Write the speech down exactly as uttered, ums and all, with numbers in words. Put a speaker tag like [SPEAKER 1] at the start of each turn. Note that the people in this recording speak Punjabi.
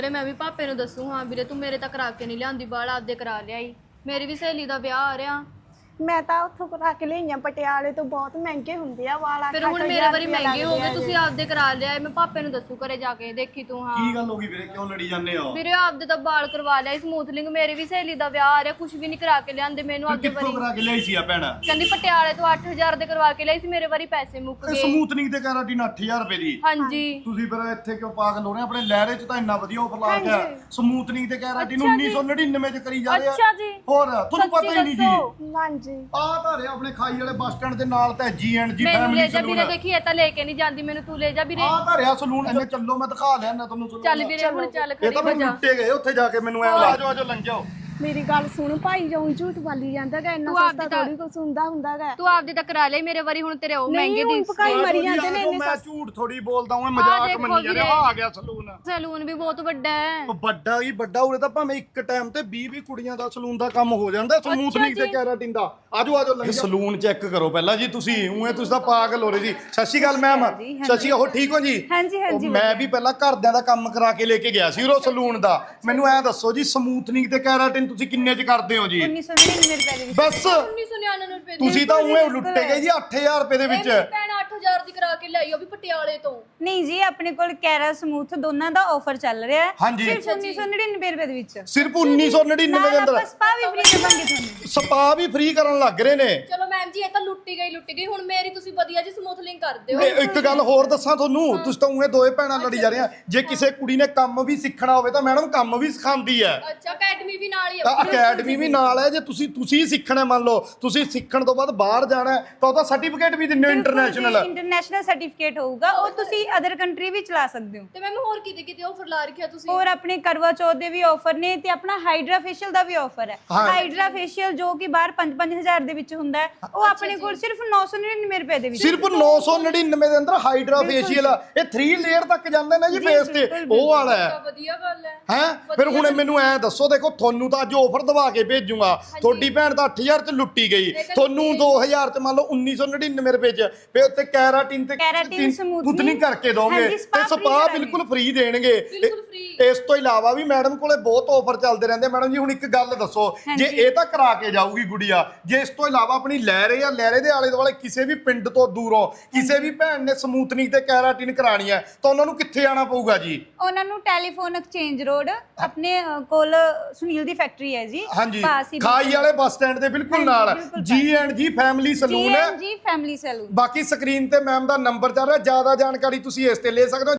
[SPEAKER 1] मैं भी पापे ਨੂੰ ਦੱਸੂ ਹਾਂ ਵੀਰੇ ਤੂੰ ਮੇਰੇ ਤੱਕ ਕਰਾ ਕੇ ਨਹੀਂ ਲਿਆਂਦੀ ਬਾਲ ਆਪਦੇ ਕਰਾ ਲਿਆਈ ਮੇਰੀ ਵੀ ਸਹੇਲੀ ਦਾ ਵਿਆਹ ਆ ਰਿਹਾ
[SPEAKER 2] ਮੈਂ ਤਾਂ ਉੱਥੋਂ ਕਰਾ ਕੇ ਲਈਆਂ ਪਟਿਆਲੇ ਤੋਂ ਬਹੁਤ ਮਹਿੰਗੇ ਹੁੰਦੇ ਆ ਵਾਲਾ
[SPEAKER 1] ਫਿਰ ਹੁਣ ਮੇਰੇ ਵਾਰੀ ਮਹਿੰਗੇ ਹੋ ਗਏ ਤੁਸੀਂ ਆਪਦੇ ਕਰਾ ਲਿਆਏ ਮੈਂ ਪਾਪੇ ਨੂੰ ਦੱਸੂ ਘਰੇ ਜਾ ਕੇ ਦੇਖੀ ਤੂੰ ਹਾਂ
[SPEAKER 3] ਕੀ ਗੱਲ ਹੋ ਗਈ ਵੀਰੇ ਕਿਉਂ ਲੜੀ ਜਾਂਦੇ ਹੋ
[SPEAKER 1] ਵੀਰੇ ਆਪਦੇ ਤਾਂ ਬਾਲ ਕਰਵਾ ਲਿਆ ਸਮੂਥਲਿੰਗ ਮੇਰੀ ਵੀ ਸਹੇਲੀ ਦਾ ਵਿਆਹ ਆ ਰਿਹਾ ਕੁਝ ਵੀ ਨਹੀਂ ਕਰਾ ਕੇ ਲਿਆਂਦੇ ਮੈਨੂੰ ਆਪਦੇ
[SPEAKER 3] ਕਿੱਥੋਂ
[SPEAKER 1] ਵਾਰੀ
[SPEAKER 3] ਕਰਾ ਕੇ ਲਿਆਈ ਸੀ ਆ ਭੈਣਾ
[SPEAKER 1] ਕਹਿੰਦੀ ਪਟਿਆਲੇ ਤੋਂ ਅੱਠ ਹਜ਼ਾਰ ਦੇ ਕਰਵਾ ਕੇ ਲਿਆਈ ਸੀ ਮੇਰੇ ਵਾਰੀ ਪੈਸੇ ਮੁੱਕ
[SPEAKER 3] ਇਹ
[SPEAKER 1] ਗਏ
[SPEAKER 3] ਸਮੂਥਨਿੰਗ ਤੇ ਕੈਰਾਟਿਨ ਅੱਠ ਹਜ਼ਾਰ ਰੁਪਏ ਦੀ
[SPEAKER 1] ਹਾਂਜੀ
[SPEAKER 3] ਤੁਸੀਂ ਫਿਰ ਇੱਥੇ ਕਿਉਂ ਪਾਗਲ ਹੋ ਰਹੇ ਆਪਣੇ ਲਹਿਰੇ ਚ ਤਾਂ ਇੰਨਾ ਵਧੀਆ ਆਫਰ ਲਾ ਕੇ ਸਮੂਥਨਿੰਗ ਤੇ ਕੈਰਾਟਿਨ ਉੱਨੀ ਸੌ ਨੜਿਨਵੇਂ ਚ ਕਰੀ ਜਾ ਰਹੇ ਆ
[SPEAKER 1] ਅੱਛਾ ਜੀ
[SPEAKER 3] ਹੋਰ ਤੁਹਾਨੂੰ ਪਤਾ ਹੀ ਨਹੀਂ ਜੀ
[SPEAKER 2] ਹਾਂਜੀ
[SPEAKER 3] ਆ ਤਾਂ ਰਿਹਾ ਆਪਣੇ ਖਾਈ ਵਾਲੇ ਬੱਸ ਸਟੈਂਡ ਦੇ ਨਾਲ ਤਾਂ ਜੀ ਐਂਡ ਜੀ
[SPEAKER 1] ਮੈਨੂੰ ਲੈ
[SPEAKER 3] ਫੈਮਿਲੀ
[SPEAKER 1] ਜਾ ਵੀਰੇ
[SPEAKER 3] ਸਲੂਨ
[SPEAKER 1] ਦੇਖੀ ਇਹ ਤਾਂ ਲੈ ਕੇ ਨਹੀਂ ਜਾਂਦੀ ਮੈਨੂੰ ਤੂੰ ਲੈ ਜਾ ਵੀਰੇ
[SPEAKER 3] ਆ ਤਾਂ ਰਿਹਾ ਸਲੂਨ ਇਹਨੇ ਚੱਲੋ ਮੈਂ ਦਿਖਾ ਲਿਆ ਨਾ ਤੁਹਾਨੂੰ ਸਲੂਨ
[SPEAKER 1] ਚੱਲ ਵੀਰੇ ਹੁਣ ਚੱਲ
[SPEAKER 3] ਇਹ
[SPEAKER 1] ਖੜੀ
[SPEAKER 3] ਤਾਂ
[SPEAKER 1] ਹੋ
[SPEAKER 3] ਮੈਨੂੰ
[SPEAKER 1] ਜਾ
[SPEAKER 3] ਲੁੱਟੇ ਗਏ ਉੱਥੇ ਜਾ ਕੇ ਮੈਨੂੰ ਐ ਲਾ ਜਾਓ ਆਜੋ ਲੰਘ ਜਾਓ
[SPEAKER 2] ਮੇਰੀ ਗੱਲ ਸੁਣ ਭਾਈ ਜੋ ਝੂਠ ਬੋਲੀ ਜਾਂਦਾ ਗਾ ਇੰਨਾ
[SPEAKER 1] ਤੂੰ
[SPEAKER 2] ਸਸਤਾ
[SPEAKER 1] ਆਪਦੀ ਤਾਂ-
[SPEAKER 2] ਥੋੜੀ ਕੁਛ ਹੁੰਦਾ ਹੁੰਦਾ ਗਾ
[SPEAKER 1] ਤੂੰ ਆਪਦੀ ਤਾਂ ਕਰਾ ਲਈ ਮੇਰੇ ਵਾਰੀ ਹੁਣ ਤੇਰੇ ਉਹ ਮਹਿੰਗੇ
[SPEAKER 2] ਨਹੀਂ
[SPEAKER 1] ਦੀ
[SPEAKER 2] ਹੁਣ ਪਕਾਈ ਮਰੀ ਜਾਂਦੇ ਨੇ ਇੰਨੇ
[SPEAKER 3] ਮੈਂ ਝੂਠ ਥੋੜੀ ਬੋਲਦਾ ਹਾਂ ਮਜ਼ਾਕ
[SPEAKER 1] ਦੇਖੋ
[SPEAKER 3] ਮੰਨੀ ਜਾਂਦੇ
[SPEAKER 1] ਵੀਰੇ।
[SPEAKER 3] ਆ ਆ ਗਿਆ ਸਲੂਨ
[SPEAKER 1] ਸੈਲੂਨ ਵੀ ਬਹੁਤ ਵੱਡਾ ਹੈ
[SPEAKER 3] ਉਹ ਵੱਡਾ ਹੀ ਵੱਡਾ ਉਰੇ ਤਾਂ ਭਾਵੇਂ ਇੱਕ ਟਾਈਮ ਤੇ ਵੀਹ ਵੀਹ ਕੁੜੀਆਂ ਦਾ ਸਲੂਨ ਦਾ ਕੰਮ ਹੋ ਜਾਂਦਾ ਸਮੂਥਨਿੰਗ ਤੇ ਕੈਰਾਟਿਨ ਦਾ ਆਜੋ ਆਜੋ ਲੰਘ ਸਲੂਨ ਚੈੱਕ ਕਰੋ ਪਹਿਲਾਂ ਜੀ ਤੁਸੀਂ ਉਵੇਂ ਤੁਸੀਂ ਤਾਂ ਪਾਗਲ ਹੋ ਰਹੇ ਜੀ ਸਤਿ ਸ਼੍ਰੀ ਅਕਾਲ ਮੈਮ ਸਤਿ ਸ਼੍ਰੀ ਅਕਾਲ ਹੋ ਠੀਕ ਹੋ ਜੀ
[SPEAKER 4] ਹਾਂਜੀ ਹਾਂਜੀ
[SPEAKER 3] ਉਹ ਮੈਂ ਵੀ ਪਹਿਲਾਂ ਘਰਦਿਆਂ ਦਾ ਕੰਮ ਕਰਾ ਕੇ ਲੈ ਕੇ ਗਿਆ ਸੀ ਉਹ ਸਲੂਨ ਦਾ ਮੈਨੂੰ ਐ ਦੱਸੋ ਜੀ ਸਮੂਥਨਿੰਗ ਤੇ ਕੈਰਾਟਿਨ ਤੁਸੀਂ ਕਿੰਨੇ ਚ ਕਰਦੇ ਹੋ ਜੀ
[SPEAKER 4] ਉੱਨੀ ਸੌ ਨੜਿਨਵੇਂ ਰੁਪਏ ਦੇ ਵਿੱਚ
[SPEAKER 3] ਬਸ
[SPEAKER 1] ਉੱਨੀ ਸੌ ਨਿਆਨਵੇਂ ਰੁਪਏ ਦੀ
[SPEAKER 3] ਤੁਸੀਂ ਤਾਂ ਉਵੇਂ ਲੁੱਟੇ ਗਏ ਜੀ ਅੱਠ ਹਜ਼ਾਰ ਰੁਪਏ ਦੇ ਵਿੱਚ
[SPEAKER 1] ਮੇਰੀ ਭੈਣ ਅੱਠ ਹਜ਼ਾਰ ਦੀ ਕਰਾ ਕੇ ਲਿਆਈ ਉਹ ਵੀ ਪਟਿਆਲੇ ਤੋਂ
[SPEAKER 4] ਨਹੀਂ ਜੀ ਆਪਣੇ ਕੋਲ ਕੈਰਾ ਸਮੂਥ ਦੋਨਾਂ ਦਾ ਆਫਰ ਚੱਲ ਰਿਹਾ ਹੈ
[SPEAKER 3] ਹਾਂਜੀ।
[SPEAKER 4] ਸਿਰਫ ਉੱਨੀ ਸੌ ਨੜਿਨਵੇਂ ਰੁਪਏ ਦੇ ਵਿੱਚ
[SPEAKER 3] ਸਿਰਫ ਉੱਨੀ ਸੌ ਨੜਿਨਵੇਂ ਦੇ
[SPEAKER 4] ਨਾਲ
[SPEAKER 3] ਅੰਦਰ
[SPEAKER 4] ਆਪਾਂ ਸਪਾ ਵੀ ਫ੍ਰੀ ਦੇਵਾਂਗੇ ਤੁਹਾਨੂੰ
[SPEAKER 3] ਸਪਾ ਵੀ ਫ੍ਰੀ ਕਰਨ ਲੱਗ ਰਹੇ ਨੇ
[SPEAKER 1] ਚਲੋ ਮੈਮ ਜੀ ਇਹ ਤਾਂ ਲੁੱਟੀ ਗਈ ਲੁੱਟੀ ਗਈ ਹੁਣ ਮੇਰੀ ਤੁਸੀਂ ਵਧੀਆ ਜੀ ਸਮੂਥਲਿੰਗ ਕਰ ਦਿਓ
[SPEAKER 3] ਇਹ ਇੱਕ ਗੱਲ ਹੋਰ ਦੱਸਾਂ ਤੁਹਾਨੂੰ ਤੁਸੀਂ ਤਾਂ ਉਵੇਂ ਦੋਏ ਭੈਣਾਂ ਲੜੀ ਜਾ ਰਹੀਆਂ ਜੇ ਕਿਸੇ ਕੁੜੀ ਨੇ ਕੰਮ ਵੀ ਸਿੱਖਣਾ ਹੋਵੇ ਤਾਂ ਮੈਡਮ ਕੰਮ ਵੀ ਸਿਖਾਉਂਦੀ ਹੈ
[SPEAKER 1] ਅੱਛਾ ਅਕੈਡਮੀ ਵੀ ਨਾਲ ਹੀ
[SPEAKER 3] ਤਾਂ
[SPEAKER 1] ਆ
[SPEAKER 3] ਅਕੈਡਮੀ ਵੀ ਨਾਲ ਹੈ ਜੇ ਤੁਸੀਂ ਤੁਸੀਂ ਸਿੱਖਣਾ ਮੰਨ ਲਓ ਤੁਸੀਂ ਸਿੱਖਣ ਤੋਂ ਬਾਅਦ ਬਾਹਰ ਜਾਣਾ ਹੈ, ਤਾਂ ਉਹਦਾ ਸਰਟੀਫਿਕੇਟ ਵੀ ਦਿੰਦੇ ਹੋ ਇੰਟਰਨੈਸ਼ਨਲ
[SPEAKER 4] ਇੰਟਰਨੈਸ਼ਨਲ ਸਰਟੀਫਿਕੇਟ ਹੋਊਗਾ ਉਹ ਤੁਸੀਂ ਅਦਰ ਕੰਟਰੀ ਵੀ ਚਲਾ ਸਕਦੇ ਹੋ
[SPEAKER 1] ਤੇ ਮੈਮ ਹੋਰ ਕਿਤੇ ਕਿਤੇ ਆਫਰ ਲਾ ਰੱਖਿਆ ਤੁਸੀਂ
[SPEAKER 4] ਔਰ ਆਪਣੇ ਕਰਵਾ ਚੌਥ ਦੇ ਵੀ ਆਫਰ ਨੇ ਤੇ ਆਪਣਾ ਹਾਈਡਰਾ ਫੇਸ਼ੀਅਲ ਦਾ ਵੀ ਆਫਰ ਹੈ
[SPEAKER 3] ਹਾਂ।
[SPEAKER 4] ਹਾਈਡਰਾ ਫੇਸ਼ੀਅਲ ਜੋ ਕਿ ਬਾਹਰ ਪੰਜ ਪੰਜ ਹਜ਼ਾਰ ਦੇ ਵਿੱਚ ਹੁੰਦਾ ਹੈ ਉਹ ਆਪਣੇ ਕੋਲ ਸਿਰਫ ਨੌ ਸੌ ਨੜਿਨਵੇਂ ਰੁਪਏ ਦੇ ਵਿੱਚ
[SPEAKER 3] ਸਿਰਫ ਨੌ ਸੌ ਨੜਿਨਵੇਂ ਦੇ ਅੰਦਰ ਹਾਈਡਰਾ ਫੇਸ਼ੀਅਲ ਇਹ ਥ੍ਰੀ ਲੇਅਰ ਤੱਕ ਜਾਂਦੇ ਨੇ ਜੀ ਫੇਸ ਤੇ ਉਹ ਵਾਲਾ ਹੈ
[SPEAKER 1] ਵਧੀਆ ਗੱਲ ਹੈ
[SPEAKER 3] ਹੈ ਫਿਰ ਹੁਣ ਮੈਨੂੰ ਐ ਦੱਸੋ ਦੇਖੋ ਤੁਹਾਨੂੰ ਤਾਂ ਅੱਜ ਆਫਰ ਦਵਾ ਕੇ ਭੇਜੂਗਾ ਤੁਹਾਡੀ ਭੈਣ ਤਾਂ ਅੱਠ ਹਜ਼ਾਰ ਚ ਲੁੱਟੀ ਗਈ ਤੁਹਾਨੂੰ ਦੋ ਹਜ਼ਾਰ ਚ ਮੰਨ ਲਓ ਉੱਨੀ ਸੌ ਨੜਿਨਵੇਂ ਰੁਪਏ ਚ ਫਿਰ ਉੱਤੇ ਕੈਰਾਟਿਨ ਤੇ
[SPEAKER 4] ਕੈਰਾਟਿਨ ਸਮੂਥਨਿੰਗ
[SPEAKER 3] ਕੁਤਨੀ ਕਰਕੇ ਦੋਗੇ
[SPEAKER 4] ਹਾਂਜੀ,
[SPEAKER 3] ਤੇ
[SPEAKER 4] spa free
[SPEAKER 3] ਸਪਾ
[SPEAKER 4] ਕਰਾਂਗੇ।
[SPEAKER 3] ਬਿਲਕੁਲ ਫ੍ਰੀ ਦੇਣਗੇ
[SPEAKER 1] ਬਿਲਕੁਲ free।
[SPEAKER 3] ਇਸ ਤੋਂ ਇਲਾਵਾ ਵੀ ਮੈਡਮ ਕੋਲੇ ਬਹੁਤ ਆਫਰ ਚੱਲਦੇ ਰਹਿੰਦੇ ਮੈਡਮ ਜੀ ਹੁਣ ਇੱਕ ਗੱਲ ਦੱਸੋ ਜੇ ਇਹ ਤਾਂ ਕਰਾ ਕੇ ਜਾਊਗੀ ਗੁੜੀਆ ਜੇ ਇਸ ਤੋਂ ਇਲਾਵਾ ਆਪਣੀ ਲਹਿਰੇ ਜਾਂ ਲਹਿਰੇ ਦੇ ਆਲੇ ਦੁਆਲੇ ਕਿਸੇ ਵੀ ਪਿੰਡ ਤੋਂ ਦੂਰੋਂ ਕਿਸੇ ਵੀ ਭੈਣ ਨੇ ਸਮੂਥਨਿੰਗ ਤੇ ਕੈਰਾਟਿਨ ਕਰਾਣੀ ਹੈ ਤਾਂ ਉਹਨਾਂ ਨੂੰ ਕਿੱਥੇ ਆਣਾ ਪਊਗਾ ਜੀ
[SPEAKER 4] ਉਹਨਾਂ ਨੂੰ ਟੈਲੀਫੋਨ ਐਕਸਚੇਂਜ ਰੋਡ ਆਪਣੇ ਅ, ਕੋਲ ਸੁਨੀਲ ਦੀ ਫੈਕਟਰੀ ਹੈ ਜੀ
[SPEAKER 3] ਹਾਂਜੀ
[SPEAKER 4] ਪਾਸ ਹੀ
[SPEAKER 3] ਖਾਈ ਵਾਲੇ ਬੱਸ ਸਟੈਂਡ ਦੇ ਬਿਲਕੁਲ ਨਾਲ
[SPEAKER 4] ਬਿਲਕੁਲ
[SPEAKER 3] ਜੀ ਐਂਡ ਜੀ ਫੈਮਿਲੀ ਸਲੂਨ ਹੈ
[SPEAKER 4] ਜੀ ਫੈਮਿਲੀ ਸੈਲੂਨ
[SPEAKER 3] ਬਾਕੀ ਸਕਰੀਨ ਤੇ ਮੈਮ ਦਾ ਨੰਬਰ ਚੱਲ ਰਿਹਾ ਜਿਆਦਾ ਜਾਣਕਾਰੀ ਤੁਸੀਂ ਇਸ ਤੇ ਲੈ ਸਕਦੇ ਹੋ